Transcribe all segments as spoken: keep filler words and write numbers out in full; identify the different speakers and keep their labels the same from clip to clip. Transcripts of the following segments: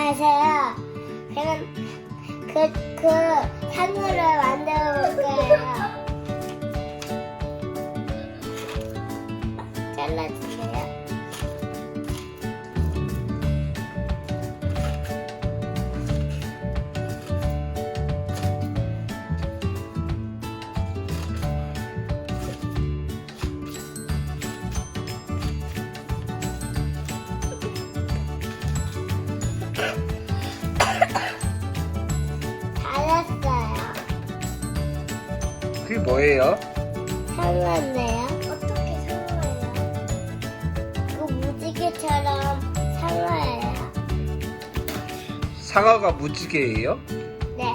Speaker 1: 안녕하세요. 그럼 그, 그 상어를 만들어 볼 거예요. 잘라주세요. 잘했어요.
Speaker 2: 그게 뭐예요?
Speaker 1: 상어인데요? 어떻게 상어예요? 그 무지개처럼 상어예요.
Speaker 2: 상어가 무지개예요?
Speaker 1: 네.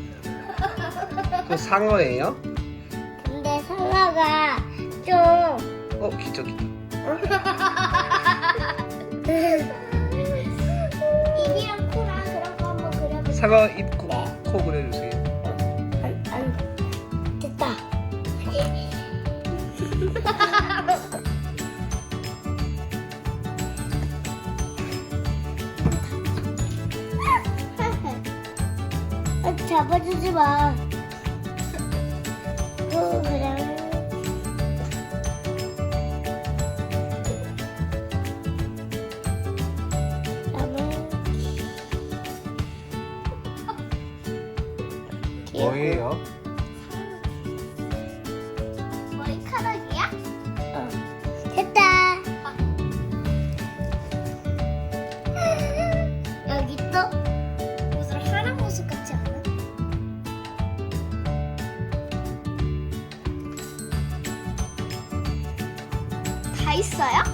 Speaker 2: 그 상어예요?
Speaker 1: 근데 상어가 좀
Speaker 2: 어, 기저 기저.
Speaker 1: 입이랑 코랑 그런 거 한번 그려볼게요.
Speaker 2: 상어 입, 코, 코 그려주세요.
Speaker 1: 안, 안, 됐다. 아, 잡아주지 마. 그 그냥
Speaker 2: 뭐예요?
Speaker 1: 머리카락이야? 어. 됐다. 여기 또 무슨 하람 모습 같지 않아? 다 있어요?